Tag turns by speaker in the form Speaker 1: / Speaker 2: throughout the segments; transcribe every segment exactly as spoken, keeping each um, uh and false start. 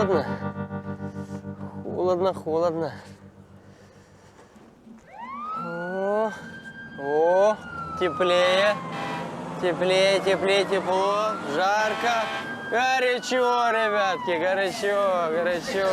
Speaker 1: холодно. Холодно, холодно. О, о, теплее. Теплее, теплее, тепло. Жарко. Горячо, ребятки, горячо, горячо.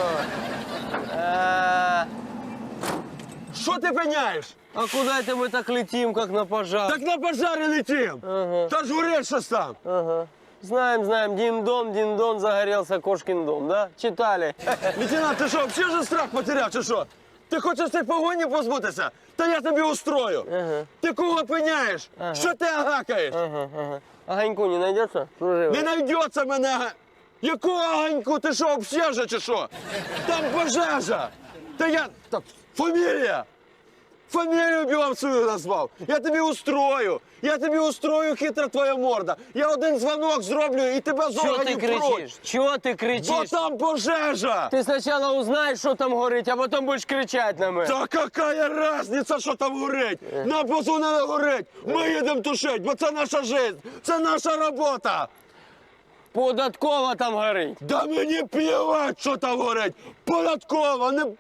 Speaker 1: А,
Speaker 2: Що ти пеняєш?
Speaker 1: а куда это мы так летим, как на пожар?
Speaker 2: Так на пожарі летим.
Speaker 1: Ага.
Speaker 2: Та ж горить щось там.
Speaker 1: Ага. Знаем, знаем, дин-дон, дин-дон, загорелся кошкин дом, да? Читали.
Speaker 2: Лейтенант, ти що, взагалі вже страх потеряв, чи що? Ти хочеш цієї погоні позбутися? Та я тобі устрою.
Speaker 1: Ага.
Speaker 2: Ти кого пеняєш?
Speaker 1: Ага.
Speaker 2: Що ти агакаєш?
Speaker 1: Ага, ага. Огоньку не найдется? Служивый.
Speaker 2: Не знайдеться мене. ага- Якого огоньку? Ти що, обсежа чи що? Там пожежа. Та я... Так, фамілія. Фамілію б вам свою назвав. Я тобі устрою. Я тобі устрою, хитра твоя морда. Я один дзвонок зроблю і тебе з
Speaker 1: Чего ты
Speaker 2: органів пруть.
Speaker 1: кричишь? Чего ты
Speaker 2: Бо
Speaker 1: кричишь?
Speaker 2: там пожежа.
Speaker 1: Ты сначала узнаешь, что там горит, а потом будешь кричать на меня.
Speaker 2: Та какая разниця, що там горить? Нам позвонили горить. Ми їдемо тушити, бо це наша життя, це наша робота.
Speaker 1: Податкова там горит.
Speaker 2: Да мені плівать, що там горить. Податково, не...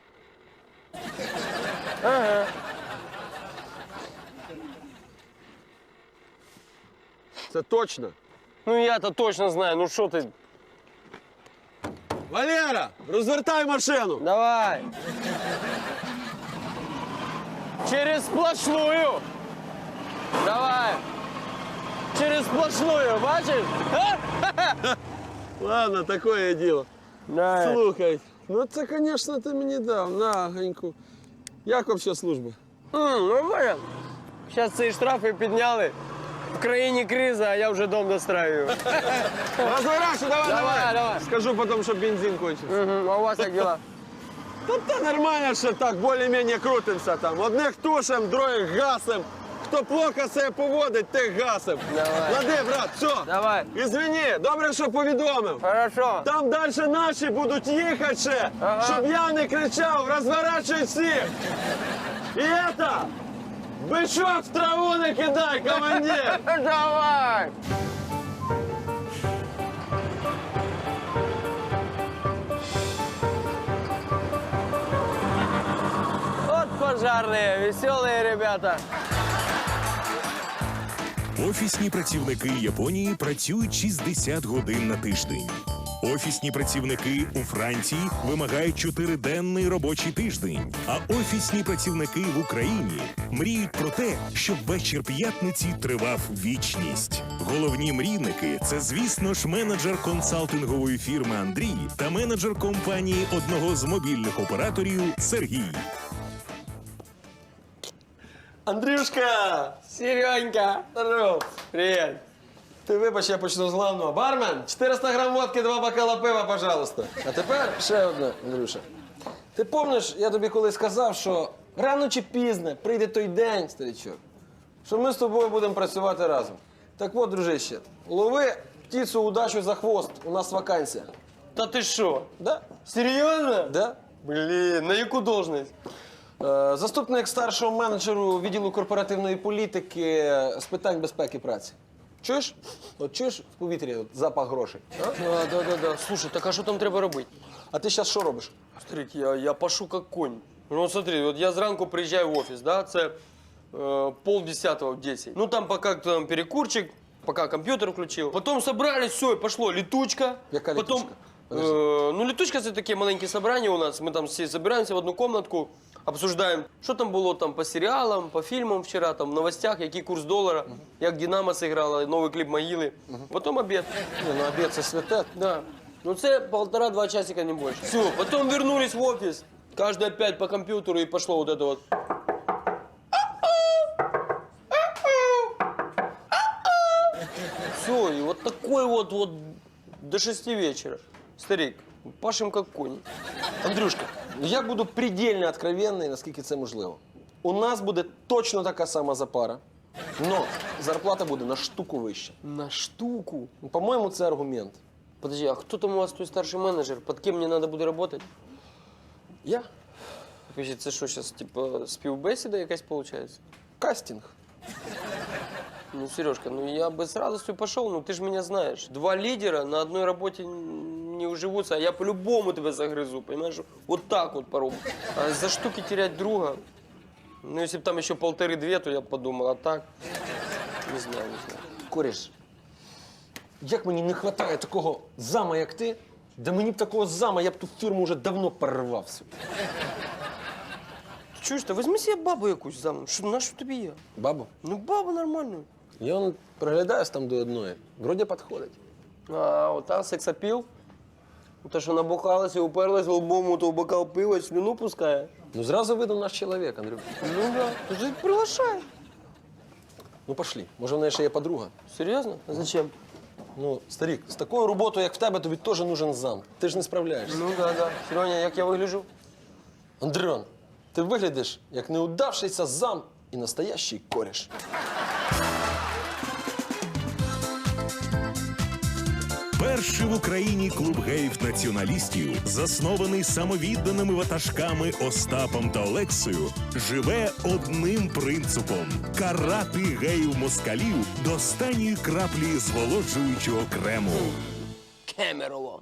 Speaker 1: Ага.
Speaker 2: Це точно.
Speaker 1: Ну я-то точно знаю, ну что ты...
Speaker 2: Валера, розвертай машину.
Speaker 1: Давай. Через сплошную. Давай. Через сплошную, бачишь? А?
Speaker 2: Ладно, такое діло.
Speaker 1: Да.
Speaker 2: Слухай, ну це, звісно, ти мені дав, на, Ганьку. Як взагалі служба?
Speaker 1: М, ну понял. Сейчас ці штрафи підняли. В країні криза, а я вже дом достраиваю.
Speaker 2: Розворачу, давай,
Speaker 1: Давай, давай.
Speaker 2: Скажу потім, щоб бензин кончився.
Speaker 1: Мгм, а у вас як дела?
Speaker 2: Та та нормально, що так, більш-менш крутимося там. Одних тушим, других гасим. Хто плохо себе поводить, тих гасим.
Speaker 1: Давай.
Speaker 2: Лади, брат, все.
Speaker 1: Давай.
Speaker 2: Ізвини, добре, що повідомив.
Speaker 1: Хорошо.
Speaker 2: Там далі наші будуть їхати ще,
Speaker 1: Ага.
Speaker 2: щоб я не кричав, розворачуй всіх. І это, бичок в траву не кидай, командир.
Speaker 1: Давай. Вот пожарные, веселые ребята.
Speaker 3: Офісні працівники Японії працюють шістдесят годин на тиждень. Офісні працівники у Франції вимагають чотириденний робочий тиждень. А офісні працівники в Україні мріють про те, щоб вечір п'ятниці тривав вічність. Головні мрійники – це, звісно ж, менеджер консалтингової фірми Андрій та менеджер компанії одного з мобільних операторів Сергій.
Speaker 2: Андрюшка,
Speaker 1: Серенька.
Speaker 2: здоров.
Speaker 1: Привет.
Speaker 2: Ти вибач, я почну з главного. Бармен, чотириста грам водки, два бокала пива, пожалуйста. А тепер ще одне, Андрюша. Ти пам'ятаєш, я тобі колись сказав, що рано чи пізно прийде той день, старичок, що ми з тобою будемо працювати разом. Так от, дружище, лови птицю удачу за хвост, у нас вакансія.
Speaker 1: Да ты шо?
Speaker 2: Да?
Speaker 1: Серьезно?
Speaker 2: Да?
Speaker 1: Блин, на яку должность?
Speaker 2: Е, Заступник старшого менеджеру відділу корпоративної політики з питань безпеки праці. Чуєш? От чуєш в повітрі от запах грошей? А?
Speaker 1: Да, да, да, да. Слушай, так а що там треба робити?
Speaker 2: А ти зараз що робиш?
Speaker 1: Старик, я, я пашу как конь. Ну вот смотри, вот я зранку приезжаю в офис, да, це э, полдесятого в десять. Ну там пока там перекурчик, пока компьютер включил. Потом собрались, все, и пошло летучка.
Speaker 2: Яка
Speaker 1: Потом,
Speaker 2: летучка? Подожди.
Speaker 1: э, ну летучка це такі маленькі собрання у нас. Ми там всі збираємося в одну комнатку, обсуждаємо, що там було там по серіалам, по фільмам вчора, там в новостях, який курс долара, як Динамо зіграла, новий кліп Могили. Потом обід.
Speaker 2: Ні, ну обід це святе.
Speaker 1: Да. Ну це полтора-два часика, не больше. Все, потом вернулись в офис. Каждый опять по компьютеру и пошло вот это вот. Все, и вот такой вот вот до шести вечера. Старик, пашем как кони.
Speaker 2: Андрюшка, я буду предельно откровенний, наскільки це можливо. У нас буде точно така сама запара, але зарплата буде на штуку вища.
Speaker 1: На штуку.
Speaker 2: Ну, по-моєму, це аргумент.
Speaker 1: Подожди, а кто там у вас той старший менеджер? Под кем мне надо буде работать?
Speaker 2: Я?
Speaker 1: Подожди, це що зараз, типа, співбесіда якась получается?
Speaker 2: Кастинг.
Speaker 1: Ну, Сережка, ну я бы с радостью пошел, но ты же меня знаешь. Два лидера на одной работе не уживутся, а я по-любому тебя загрызу, понимаешь? Вот так вот порог. А за штуки терять друга? Ну, если бы там еще полторы-две, то я бы подумал, а так? Не знаю, не знаю.
Speaker 2: Коріш, як мені не вистачає такого зама, як ти, да мені б такого зама, я б ту фірму вже давно перервався.
Speaker 1: Чуєш, та візьми себе бабу якусь замуж. Що, на що тобі я?
Speaker 2: Бабу,
Speaker 1: Ну, бабу нормальну.
Speaker 2: я он приглядаюсь там до одної. Вроді підходить.
Speaker 1: А, ота сексапіл? Та, що набухалась і уперлась лбом у того бокал пива, і слюну пускає.
Speaker 2: Ну, зразу видно наш чоловік, Андрюк.
Speaker 1: Ну да, ти ж приглашай.
Speaker 2: Ну, пошли. Може, в неї ще є подруга.
Speaker 1: Серйозно? А зачем?
Speaker 2: Ну, старик, з такою роботою, як в тебе, тобі теж нужен зам. Ти ж не справляєшся.
Speaker 1: Ну да, да. Сереня, як я вигляджу?
Speaker 2: Андрюн, ти виглядиш як неудавшийся зам і настоящий кореш.
Speaker 3: Перший в Україні клуб геїв-націоналістів, заснований самовідданими ватажками Остапом та Олексою, живе одним принципом – карати геїв-москалів до останньої краплі зволоджуючого крему.
Speaker 1: Кемерово.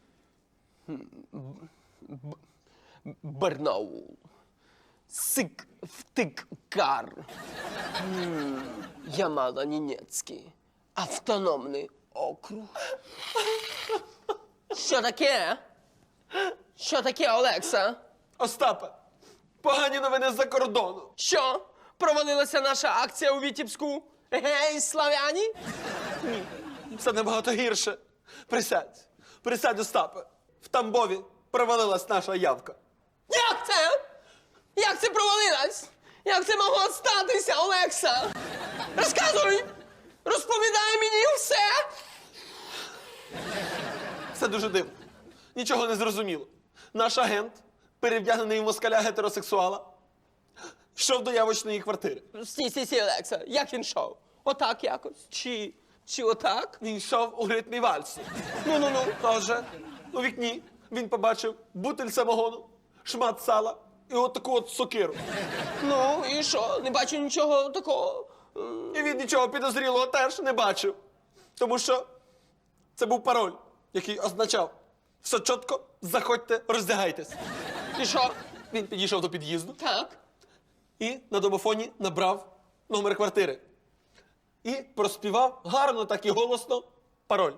Speaker 1: Б- Барнаул. Сик втик кар. М, Ямало-Ненецький. Автономний округ. Що таке? Що таке, Олекса?
Speaker 2: Остапе, погані новини з-за кордону.
Speaker 1: Що? Провалилася наша акція у Вітібську? Гей, славяні?
Speaker 2: Це набагато гірше. Присядь. Присядь, Остапе. В Тамбові провалилась наша явка.
Speaker 1: Як це? Як це провалилась? Як це могло статися, Олекса? Розказуй! Розповідай мені все!
Speaker 2: Це дуже дивно. Нічого не зрозуміло. Наш агент, перевдягнений в москаля гетеросексуала, йшов до явочної квартири.
Speaker 1: Стій, стій, стій, Олекса, як він йшов? Отак якось? Чи, чи отак?
Speaker 2: Він йшов у ритмі вальсу. Ну-ну-ну, отже, у вікні він побачив бутиль самогону, шмат сала і от таку от сокиру.
Speaker 1: Ну, і що? Не бачу нічого такого.
Speaker 2: І він нічого підозрілого теж не бачив. Тому що це був пароль, який означав «Все чітко, заходьте, роздягайтесь».
Speaker 1: І що?
Speaker 2: Він підійшов до під'їзду
Speaker 1: Так.
Speaker 2: і на домофоні набрав номер квартири. І проспівав гарно, так і голосно пароль.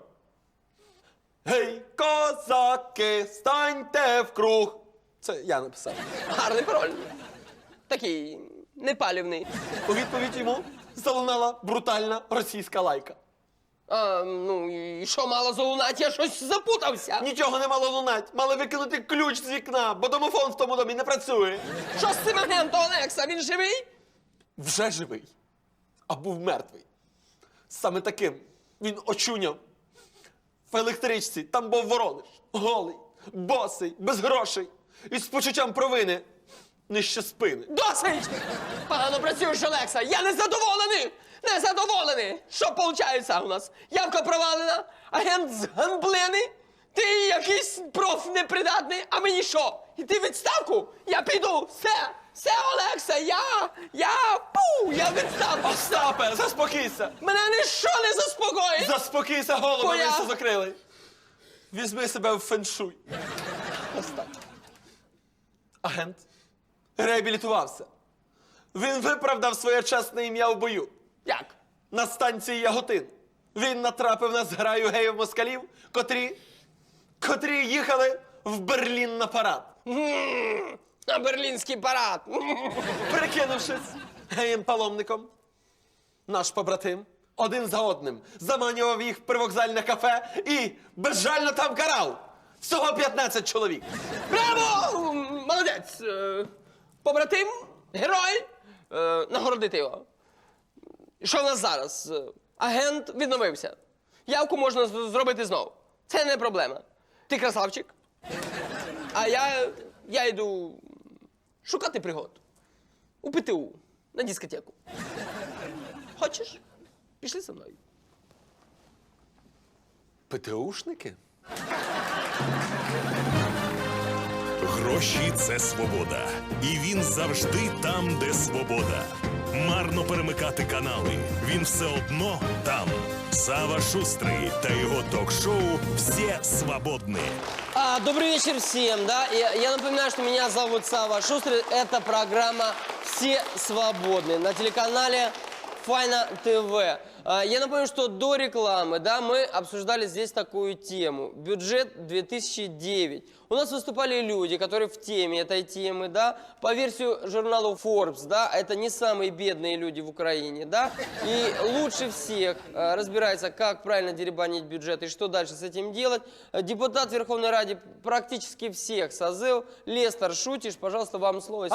Speaker 2: Гей, козаки, станьте в круг. Це я написав.
Speaker 1: Гарний пароль. Такий непалівний.
Speaker 2: У відповідь йому залунала брутальна російська лайка.
Speaker 1: А, ну, і що мало залунати? Я щось запутався.
Speaker 2: Нічого не мало лунать, мали викинути ключ з вікна, бо домофон в тому домі не працює.
Speaker 1: Що з цим агентом, Олекса? Він живий?
Speaker 2: Вже живий, а був мертвий. Саме таким він очуняв в електричці. Там був Воронеж, голий, босий, без грошей і з почуттям провини нижче спини.
Speaker 1: Досить! Погано працюєш, Олекса. Я не задоволений! Не задоволений! Що виходить у нас? Явка провалена, агент згамблений, ти якийсь проф непридатний, а мені що? Іти в відставку? Я піду! Все! Все, Олекса! Я! Я! Пу! Я в відставку!
Speaker 2: Остапе, заспокійся!
Speaker 1: Мене ніщо не заспокоїть!
Speaker 2: Заспокійся, голову
Speaker 1: Твоя-
Speaker 2: все закрили. Візьми себе в феншуй. Остап. Агент реабілітувався. Він виправдав своє чесне ім'я в бою.
Speaker 1: Як?
Speaker 2: На станції Яготин. Він натрапив на зграю геїв-москалів, котрі, котрі їхали в Берлін на парад.
Speaker 1: М, На берлінський парад! М.
Speaker 2: Прикинувшись геєм-паломником, наш побратим один за одним заманював їх в привокзальне кафе і безжально там карав. Всього п'ятнадцять чоловік.
Speaker 1: Браво! М, Молодець! Е, Побратим, герой, е, нагородити його. І що в нас зараз? Е, Агент відновився. Явку можна з- зробити знову. Це не проблема. Ти красавчик. А я, я йду шукати пригод. У ПТУ, на дискотеку. Хочеш? Пішли зі мною.
Speaker 2: ПТУшники?
Speaker 3: Гроші – це свобода. І він завжди там, де свобода. Марно перемикати канали. Він все одно там. Сава Шустрий та його ток-шоу «Все свободны».
Speaker 1: А, добрый вечер всем, да. Я, я напоминаю, что меня зовут Сава Шустрый. Это программа «Все свободны» на телеканале Файна ТВ. А, я напомню, что до рекламы, да, мы обсуждали здесь такую тему. Бюджет две тысячи девять. У нас выступали люди, которые в теме этой темы, да. По версию журнала Forbes, да, это не самые бедные люди в Украине, да. И лучше всех а, разбирается, как правильно деребанить бюджет и что дальше с этим делать. Депутат Верховной Ради практически всех созыв. Лестер Шутиш, пожалуйста, вам слово.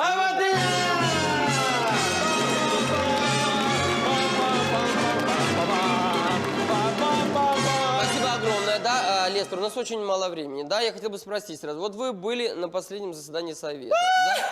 Speaker 1: Спасибо огромное, да, а, Лестер, у нас очень мало времени, да, я хотел бы спросить сразу, вот вы были на последнем заседании Совета, да?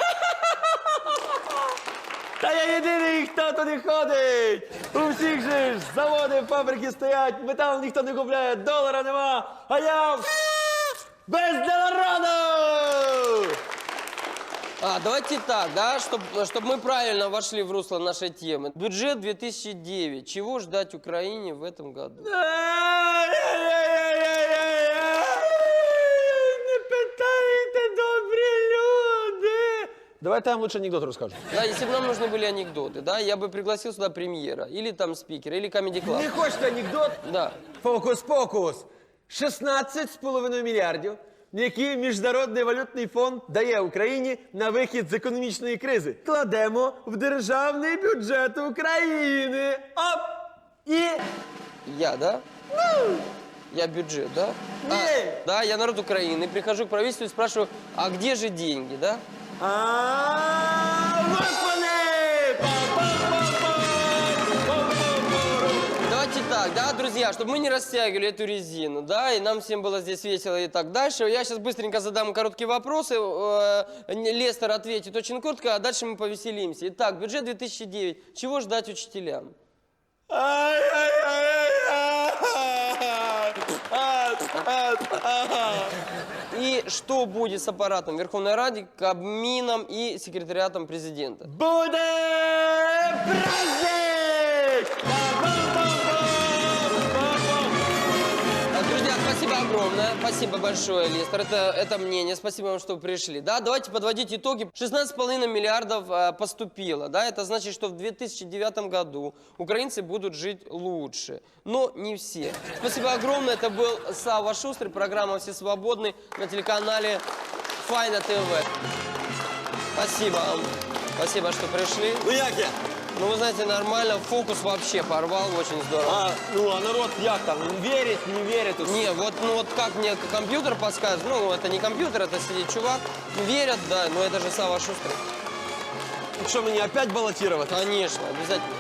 Speaker 4: Та я єдиний, хто туди ходить! У всіх же ж заводи, фабрики стоять, метал ніхто не купляє, долара нема, а я без долараду!
Speaker 1: А, давайте так, да, чтобы чтоб мы правильно вошли в русло нашей темы. Бюджет две тысячи девять, чего ждать Украине в этом году?
Speaker 4: Не питайте, добрі люди! Давайте я вам лучше анекдот розкажу.
Speaker 1: Да, если бы нам нужны были анекдоты, да, я бы пригласил сюда премьера, или там спикера, или Comedy Club.
Speaker 4: Не хочете анекдот?
Speaker 1: Да.
Speaker 4: Фокус-покус. шістнадцять з половиною мільярдів, які Міжнародний валютний фонд дає Україні на вихід з економічної кризи. Кладемо в державний бюджет України. Оп! І...
Speaker 1: Я, да? Я бюджет, да? А,
Speaker 4: Не.
Speaker 1: да, я народ Украины, прихожу к правительству и спрашиваю, а где же деньги, да?
Speaker 4: А вот вони!
Speaker 1: Давайте так, да, друзья, чтобы мы не растягивали эту резину, да, и нам всем было здесь весело и так дальше. Я сейчас быстренько задам короткие вопросы, э, Лестер ответит очень коротко, а дальше мы повеселимся. Итак, бюджет две тысячи девять. Чего ждать учителям? И что будет с аппаратом Верховной Ради, Кабмином и секретариатом президента?
Speaker 4: Буде праздник!
Speaker 1: Друзья, спасибо огромное. Спасибо большое, Лестер. Это, это мнение. Спасибо вам, что пришли. Да, давайте подводить итоги. шестнадцать с половиной миллиардов а, поступило. Да, это значит, что в две тысячи девятом году украинцы будут жить лучше. Но не все. Спасибо огромное. Это был Сава Шустрый. Программа «Все свободны» на телеканале Файна ТВ. Спасибо вам. Спасибо, что пришли.
Speaker 4: Ну як я?
Speaker 1: Ну, вы знаете, нормально. Фокус вообще порвал. Очень здорово.
Speaker 4: А, ну а народ як там? Вірить, не вірить?
Speaker 1: Не, вот, ну вот как мне компьютер подсказывает, ну это не компьютер, это сидит чувак, верят, да, но это же Сава Шустрый.
Speaker 4: Що мені опять балотувати?
Speaker 1: Конечно, обязательно.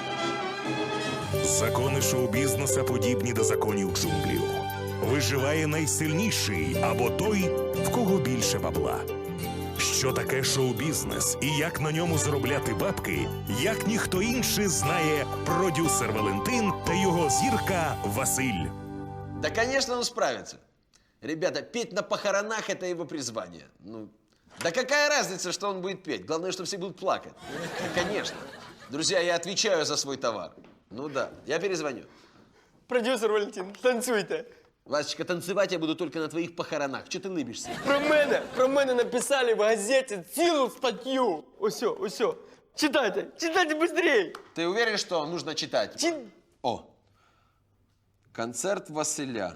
Speaker 3: Закони шоу-бізнеса подібні до законів джунглів. Виживає найсильніший або той, в кого більше бабла. Що таке шоу-бізнес і як на ньому заробляти бабки, як ніхто інший знає продюсер Валентин та його зірка Василь.
Speaker 2: Да, конечно, он справится. Ребята, петь на похоронах – это его призвание. Ну, да какая разница, что он будет петь? Главное, что все будут плакать. Да, конечно. Друзья, я отвечаю за свой товар. Ну да, я перезвоню.
Speaker 4: Продюсер Валентин, танцюйте.
Speaker 2: Васечка, танцевать я буду только на твоих похоронах. Че ты лыбишься?
Speaker 4: Про мене, про мене написали в газеті цілу статтю. Осьо, осьо. Читайте, читайте быстрей.
Speaker 2: Ты уверен, что нужно читать?
Speaker 4: Чи...
Speaker 2: О, концерт Василя.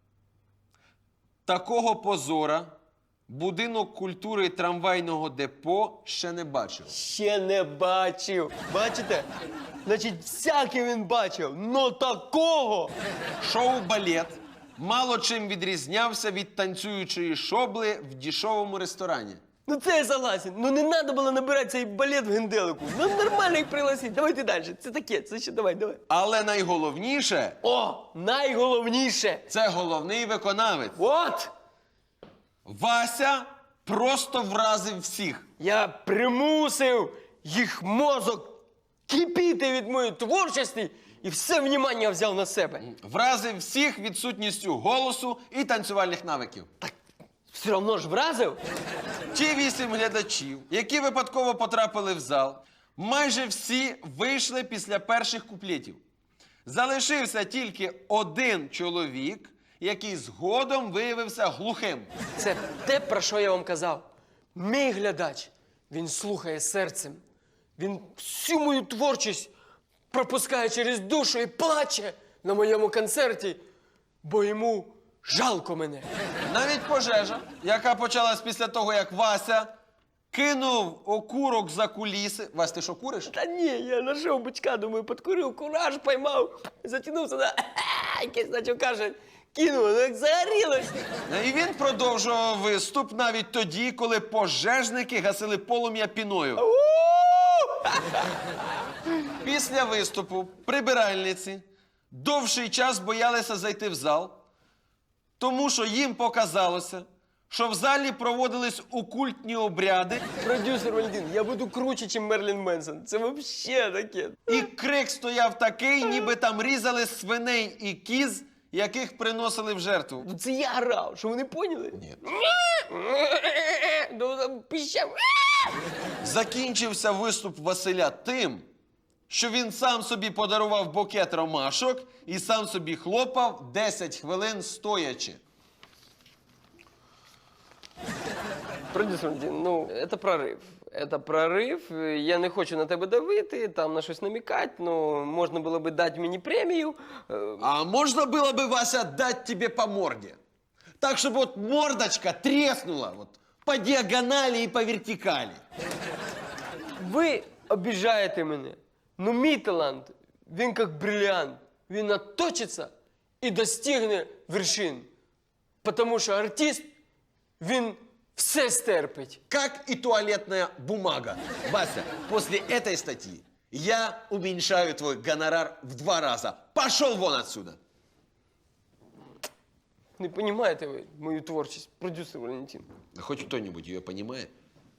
Speaker 2: Такого позора будинок культури трамвайного депо ще не бачив.
Speaker 4: Ще не бачив. Бачите? Значить, всяке він бачив, но такого.
Speaker 2: Шоу-балет мало чим відрізнявся від танцюючої шобли в дешевому ресторані.
Speaker 4: Ну це я согласен. Ну не треба було набирати цей балет в генделику. Ну нормально їх пригласити. Давайте далі. Це таке, це ще давай, давай.
Speaker 2: Але найголовніше
Speaker 4: О, найголовніше.
Speaker 2: – це головний виконавець.
Speaker 4: От!
Speaker 2: Вася просто вразив всіх.
Speaker 4: Я примусив їх мозок кипіти від моєї творчості і все внимання взяв на себе.
Speaker 2: Вразив всіх відсутністю голосу і танцювальних навиків.
Speaker 4: Все одно ж вразив.
Speaker 2: Ті вісім глядачів, які випадково потрапили в зал, майже всі вийшли після перших куплетів. Залишився тільки один чоловік, який згодом виявився глухим.
Speaker 1: Це те, про що я вам казав. Мій глядач, він слухає серцем. Він всю мою творчість пропускає через душу і плаче на моєму концерті, бо йому жалко мене.
Speaker 2: Навіть пожежа, яка почалась після того, як Вася кинув окурок за куліси. Вась, ти що, куриш?
Speaker 1: Та ні, я знайшов бичка, думаю, подкурив, кураж поймав, затягнувся на якийсь, наче каже, кинув, ну як загорілось.
Speaker 2: І він продовжував виступ навіть тоді, коли пожежники гасили полум'я піною. Після виступу прибиральниці довший час боялися зайти в зал, тому що їм показалося, що в залі проводились окультні обряди,
Speaker 1: Продюсер Валентин, я буду круче, ніж Мерлін Менсон. Це взагалі таке.
Speaker 2: і крик стояв такий, ніби там різали свиней і кіз, яких приносили в жертву.
Speaker 1: Ну це я грав, що ви не поняли? Ні. Ну там пищав.
Speaker 2: Закінчився виступ Василя тим, що він сам собі подарував букет ромашок і сам собі хлопав десять хвилин стоячи.
Speaker 1: Продюсер Валентин, ну, це прорив. Це прорив. Я не хочу на тебе давити, там на щось намікати, ну, можна було би дати мені премію. Е,
Speaker 2: А можно было бы, Вася, дать тебе по морде? Так, чтобы вот мордочка треснула вот, по диагонали и по вертикали.
Speaker 1: Ви обіжаєте мене. Ну, мій талант, він як бриллиант. Він наточиться і достигне вершин. Тому що артист, він все стерпить.
Speaker 2: Как и туалетная бумага. Вася, после этой статьи я уменьшаю твой гонорар в два раза. Пошел вон отсюда.
Speaker 1: Не розумієте ви мою творчість, продюсер Валентин.
Speaker 2: Хоть кто-нибудь ее понимает?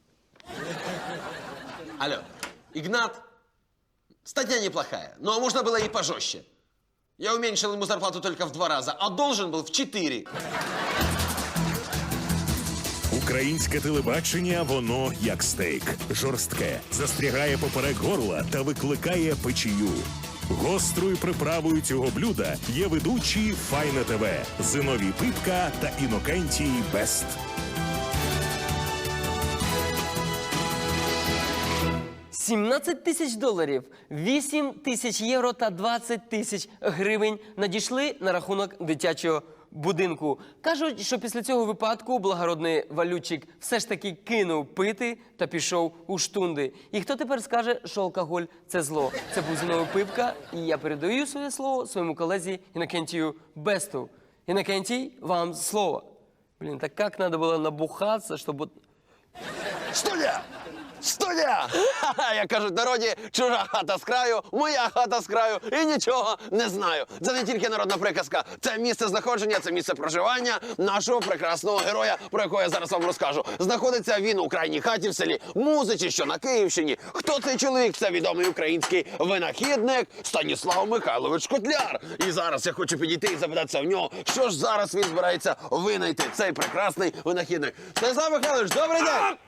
Speaker 2: Алло, Игнат, статья неплохая, но можно было и пожестче. Я уменьшил ему зарплату только в два раза, а должен был в четыре.
Speaker 3: Українське телебачення, воно як стейк. Жорстке, застрягає поперек горла та викликає печію. Гострою приправою цього блюда є ведучі Файна ТВ, Зиновій Пипка та Інокентій Бест.
Speaker 1: сімнадцять тисяч доларів, вісім тисяч євро та двадцять тисяч гривень надійшли на рахунок дитячого будинку. Кажуть, що після цього випадку благородний валютчик все ж таки кинув пити та пішов у штунди. І хто тепер скаже, що алкоголь – це зло? Це був Зиновій Пипка, і я передаю своє слово своєму колезі Інокентію Бесту. Інокентій, вам слово. Блін, так як треба було набухатися, щоб...
Speaker 5: Студія! Студія! Ха-ха, як кажуть в народі, чужа хата з краю, моя хата з краю і нічого не знаю. Це не тільки народна приказка, це місце знаходження, це місце проживання нашого прекрасного героя, про якого я зараз вам розкажу. Знаходиться він у крайній хаті в селі Музичі, що на Київщині. Хто цей чоловік? Це відомий український винахідник Станіслав Михайлович Котляр. І зараз я хочу підійти і запитатися в нього, що ж зараз він збирається винайти, цей прекрасний винахідник. Станіслав Михайлович, добрий день!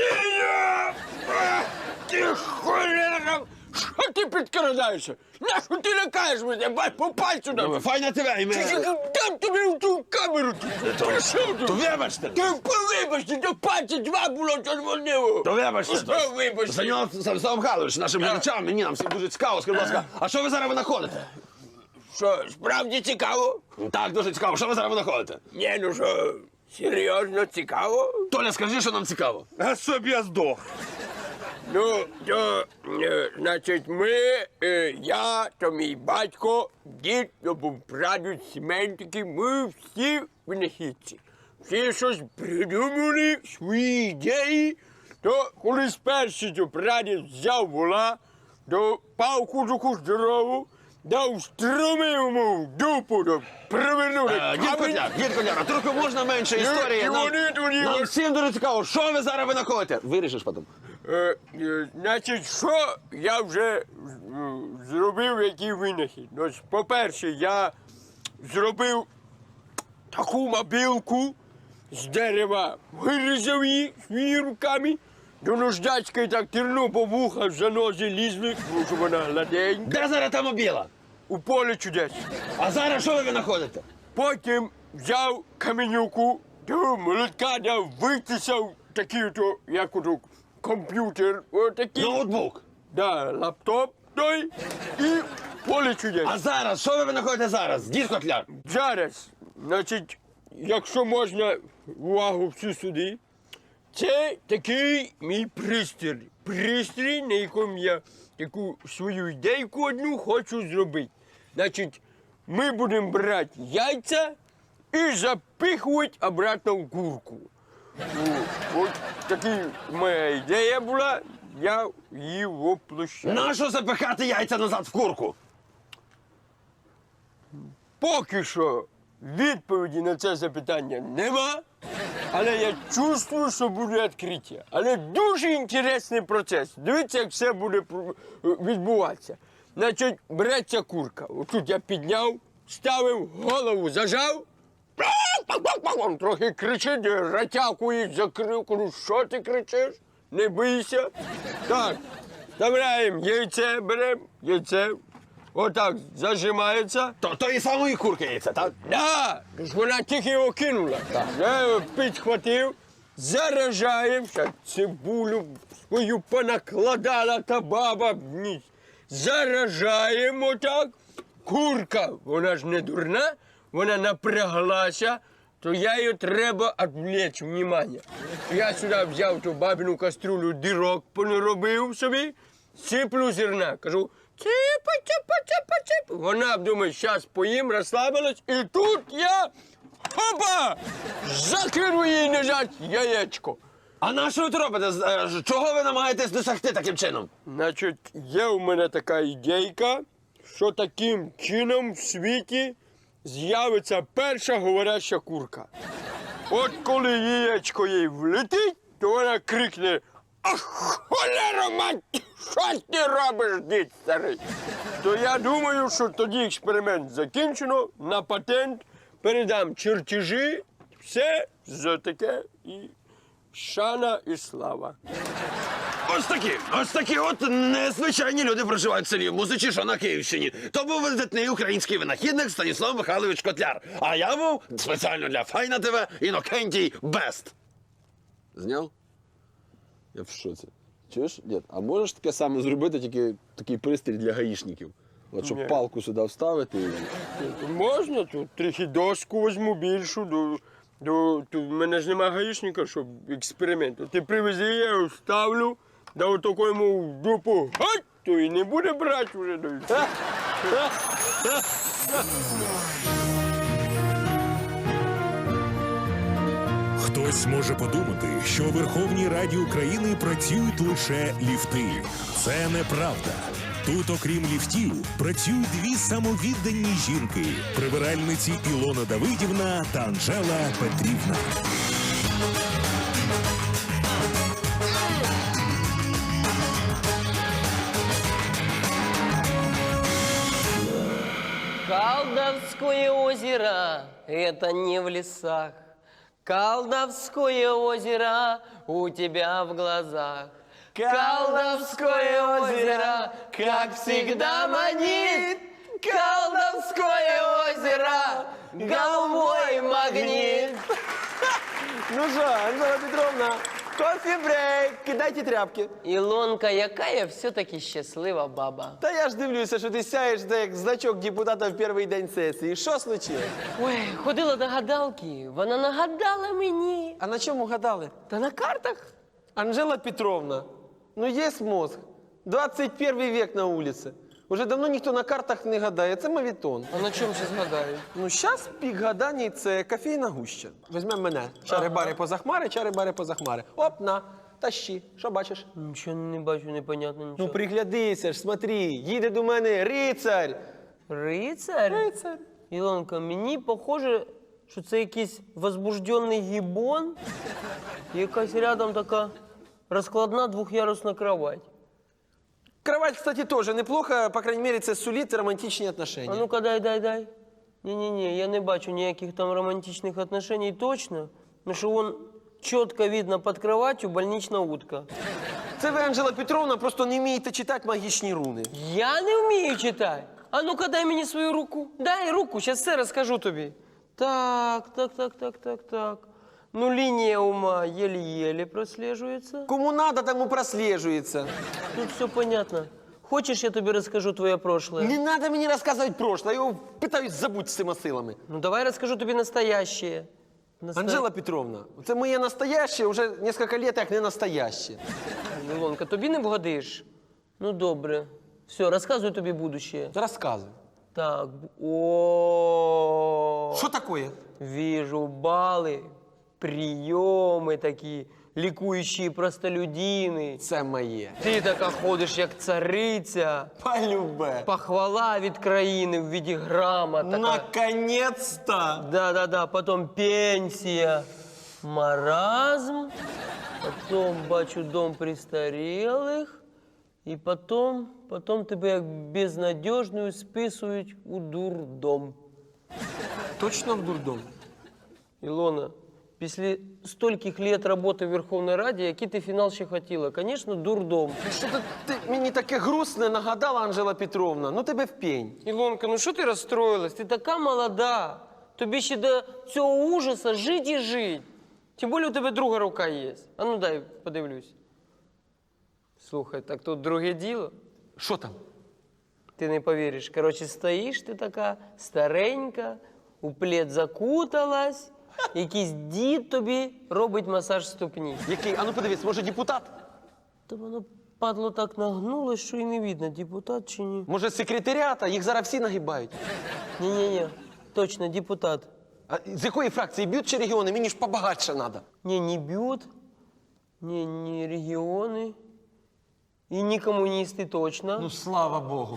Speaker 6: Ти холера! Що ти підкрадаєшся? Нащо ти лякаєш мене? Бай, попай сюди!
Speaker 5: Файна тебе, і ми...
Speaker 6: Дам тобі в ту камеру! Прийшов тут!
Speaker 5: То вибачте!
Speaker 6: Ти вибачте, до пальця два було червонило!
Speaker 5: То вибачте!
Speaker 6: Що вибачте?
Speaker 5: Станіслав Станіслав Михайлович, нашим глядачам, мені нам всім дуже цікаво. Скажіть, будь ласка, а що ви зараз винаходите?
Speaker 6: Що, справді цікаво?
Speaker 5: Так, дуже цікаво. Що ви зараз винаходите?
Speaker 6: Ні, ну що, серйозно цікаво?
Speaker 5: Толя, скажи, що нам цікаво.
Speaker 7: А щоб я здох.
Speaker 6: Ну, то, е, значить, ми, е, я, то мій батько, дід, то був прадід, сімейники, ми всі винахідці. Всі щось придумали, свої ідеї, то колись перший то прадід взяв вола, то палку таку здорову, дав струмив йому в дупу, то привернули
Speaker 5: Е, Дід Котляр, дід Котляр, а трохи можна менше
Speaker 6: І-
Speaker 5: історії?
Speaker 6: і
Speaker 5: Нам,
Speaker 6: вони тоді
Speaker 5: нам
Speaker 6: ось-
Speaker 5: всім дуже цікаво, що ви зараз винаходите? Вирішиш потім.
Speaker 6: Е, е, значить, що я вже е, зробив, який винахід? Ну, ось, по-перше, я зробив таку мобілку з дерева, вирізав її своїми руками, до нождачки так терну по вухах, за нози лізли, тому що вона гладенька.
Speaker 5: Де зараз та мобіла?
Speaker 6: у полі чудес.
Speaker 5: А зараз що ви винаходите?
Speaker 6: Потім взяв каменюку, до молотка дав, витисав такий ото, як ото, комп'ютер, отакий.
Speaker 5: Ноутбук.
Speaker 6: Да, лаптоп той і поле чудес.
Speaker 5: А зараз, що ви винаходите зараз? Дід Котляр.
Speaker 6: Зараз, значить, якщо можна увагу всю сюди, це такий мій пристрій. Пристрій, на якому я таку свою ідейку одну хочу зробити. Значить, ми будемо брати яйця і запихувати обратно в курку. О, От така моя ідея була, я її воплощаю.
Speaker 5: Нащо запихати яйця назад в курку?
Speaker 6: Поки що відповіді на це запитання нема, але я чувствую, що буде відкриття. Але дуже інтересний процес. Дивіться, як все буде про- відбуватися. Значить, береться курка. Отут я підняв, ставив, голову зажав. Трохи кричить, ратякує, закрив. Кажу, що ти кричиш? Не бийся. Так, вставляємо яйце, беремо, яйце. Отак зажимається.
Speaker 5: То тої самої курки яйця, так?
Speaker 6: Да, ж вона тільки його кинула. Я його підхватив, заражаємо, ще цибулю свою понакладала та баба в ніс. Заражаємо так. Курка, вона ж не дурна, вона напряглася, то я її треба відвлечь внимання. Я сюди взяв ту бабину каструлю, дірок понаробив собі, сиплю зерна, кажу, ципа, ципа, ципа, ципа. Вона думає, зараз поїм, розслабилась, і тут я, хопа, закину їй назад яєчко.
Speaker 5: А на що ви це робите? З- е, ж- Чого ви намагаєтесь досягти таким чином?
Speaker 6: Значить, є у мене така ідейка, що таким чином в світі з'явиться перша говоряща курка. От коли яєчко їй влетить, то вона крикне: «Ах, холера мать, що ти робиш, дід старий?» То я думаю, що тоді експеримент закінчено, на патент передам чертежі, все за таке і шана і слава.
Speaker 5: Ось такі, ось такі от незвичайні люди проживають в селі Музичі, що на Київщині. То був видатний український винахідник Станіслав Михайлович Котляр. А я був спеціально для Файна ТВ Інокентій Бест. Зняв? Я в шоці. Чуєш, дід, а можеш таке саме зробити, тільки такий пристрій для гаїшників? От щоб
Speaker 6: Ні.
Speaker 5: палку сюди вставити і...
Speaker 6: Тут можна, тут трохи доску візьму більшу, до, до, тут в мене ж нема гаїшника, щоб експеримент. Ти привези, я його ставлю, да отако йому в дупу, гать, то і не буде брати вже.
Speaker 3: Хтось може подумати, що у Верховній Раді України працюють лише ліфти. Це неправда. Тут, окрім ліфтів, працюють дві самовіддані жінки – прибиральниці Ілона Давидівна та Анжела Петрівна.
Speaker 1: Колдовское озеро – это не в лесах. Колдовское озеро у тебя в глазах. Колдовское озеро, как всегда, манит. Колдовское озеро, головой магнит.
Speaker 4: Ну що, Анжела Петровна, кофі-брейк, кидайте тряпки.
Speaker 1: Ілонка, яка я все-таки щаслива баба.
Speaker 4: Та я ж дивлюся, що ти сяєш та як значок депутата в перший день сесії. Що случилось?
Speaker 1: Ой, ходила до гадалки, вона нагадала мені.
Speaker 4: А на чому гадали?
Speaker 1: Та на картах.
Speaker 4: Анжела Петровна, ну є мозг. двадцять перший век на вулиці. Уже давно ніхто на картах не гадає, це мавітон.
Speaker 1: А на чому ще згадаю?
Speaker 4: Ну, зараз пік гадань – це кофейна гуща. Візьмемо мене. Чари-бари поза хмари, чари-бари поза хмари. Оп, на, тащи. Що бачиш?
Speaker 1: Нічого не бачу, непонятно нічого.
Speaker 4: Ну, приглядися ж, смотри, їде до мене рицарь.
Speaker 1: Рицарь?
Speaker 4: Рицарь.
Speaker 1: Ілонка, мені похоже, що це якийсь возбуждений гібон, і якась рядом така розкладна двох'ярусна кровать.
Speaker 4: Кровать, кстати, тоже неплохо, по крайней мере, це сулить романтичні
Speaker 1: А
Speaker 4: отношения.
Speaker 1: ну-ка, дай, дай, дай. Ні-ні-ні, я не бачу ніяких там романтичних отношений точно, ну що вон чітко видно під кроватью больнична утка.
Speaker 4: Це ви, Анжела Петровна, просто не вмієте читати магічні руни.
Speaker 1: Я не вмію читати. А ну-ка дай мені свою руку. Дай руку, зараз все розкажу тобі. Так, так, так, так, так, так. Ну, лінія ума єлі-єлі прослежується.
Speaker 2: Кому надо, тому прослежується.
Speaker 1: Тут все понятно. Хочеш, я тобі розкажу твоє прошлое?
Speaker 2: Не надо мені розказувати прошлое, я його питаюсь забути з цими силами.
Speaker 1: Ну, давай розкажу тобі настоящее. Наста-
Speaker 2: Анжела Петровна, це моє настояще вже кілька років як не настояще.
Speaker 1: Ілонка, тобі не вгодиш? Ну, добре. Все, розказую тобі будущее.
Speaker 2: Розказуй.
Speaker 1: Так, о
Speaker 2: Що таке?
Speaker 1: Вижу баллы, приемы такие, ликующие простолюдины.
Speaker 2: Це моє.
Speaker 1: Ти така ходиш, як цариця.
Speaker 2: Полюбе.
Speaker 1: Похвала від країни в виде грамот. Така.
Speaker 2: Наконец-то!
Speaker 1: Да-да-да, потом пенсія, маразм, потом бачу дом престарілих, і потом, потом тебе як безнадежную списують у дурдом.
Speaker 2: Точно в дурдом?
Speaker 1: Ілона, після стольких лет роботи в Верховній Раді, який ти фінал ще хотіла? Звісно, дурдом.
Speaker 2: Що то ти мені таке грустне нагадала, Анжела Петровна? Ну тебе в пень.
Speaker 1: Ілонка, ну що ти розстроїлась? Ти така молода. Тобі ще до цього ужаса жить і жить. Тим більше у тебе друга рука є. А ну дай подивлюсь. Слухай, так тут друге діло.
Speaker 2: Що там?
Speaker 1: Ти не повіриш. Коротше, стоїш ти така старенька, у плед закуталась, якийсь дід тобі робить масаж ступні.
Speaker 2: Який? А ну подивись, може депутат?
Speaker 1: Та воно, падло, так нагнулось, що і не видно, депутат чи ні.
Speaker 2: Може з секретаріата? Їх зараз всі нагибають.
Speaker 1: Ні-ні-ні, точно, депутат.
Speaker 2: А з якої фракції б'ють чи регіони? Мені ж побагатше треба.
Speaker 1: Не, не бьют, не, не регионы и не коммунисты точно.
Speaker 2: Ну, слава Богу.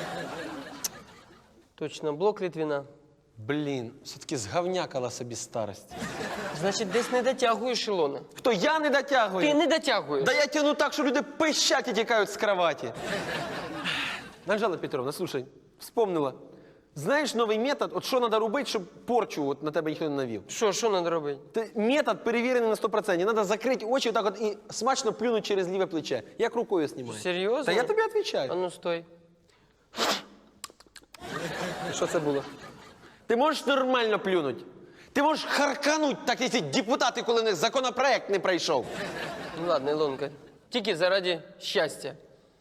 Speaker 1: Точно, блок Литвина.
Speaker 2: Блін, все-таки згавнякала собі старость.
Speaker 1: Значить, десь не дотягуєш, Ілона.
Speaker 2: Хто, я не дотягую?
Speaker 1: Ти не дотягуєш.
Speaker 2: Да я тяну так, що люди пищать і тікають з кроваті. Анжела Петровна, слушай, вспомнила. Знаєш новий метод, от що треба робити, щоб порчу от на тебе ніхто не навів?
Speaker 1: Що, що треба робити?
Speaker 2: Ти, метод перевірений на сто відсотків. Треба закрити очі отак от і смачно плюнути через ліве плече. Як рукою знімаю.
Speaker 1: Серйозно?
Speaker 2: Та я тобі
Speaker 1: А
Speaker 2: відповідаю.
Speaker 1: ну, стой.
Speaker 2: Що це було? Ти можеш нормально плюнути. Ти можеш харкануть, так як ці депутати, коли в них законопроект не пройшов.
Speaker 1: Ну, ладно, Ілонка. Тільки заради щастя.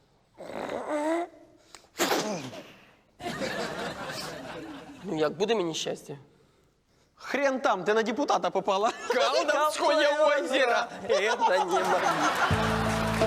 Speaker 1: Ну, як буде мені щастя?
Speaker 2: Хрен там, ти на депутата попала.
Speaker 1: Колдовское озеро! Это не мои.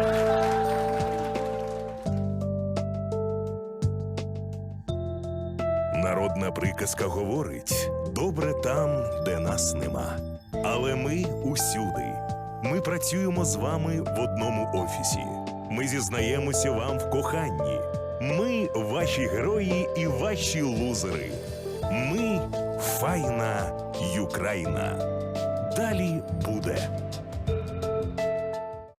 Speaker 3: Народна приказка говорить: добре там, де нас нема. Але ми усюди. Ми працюємо з вами в одному офісі. Ми зізнаємося вам в коханні. Ми ваші герої і ваші лузери. Ми файна Юкраїна. Далі буде.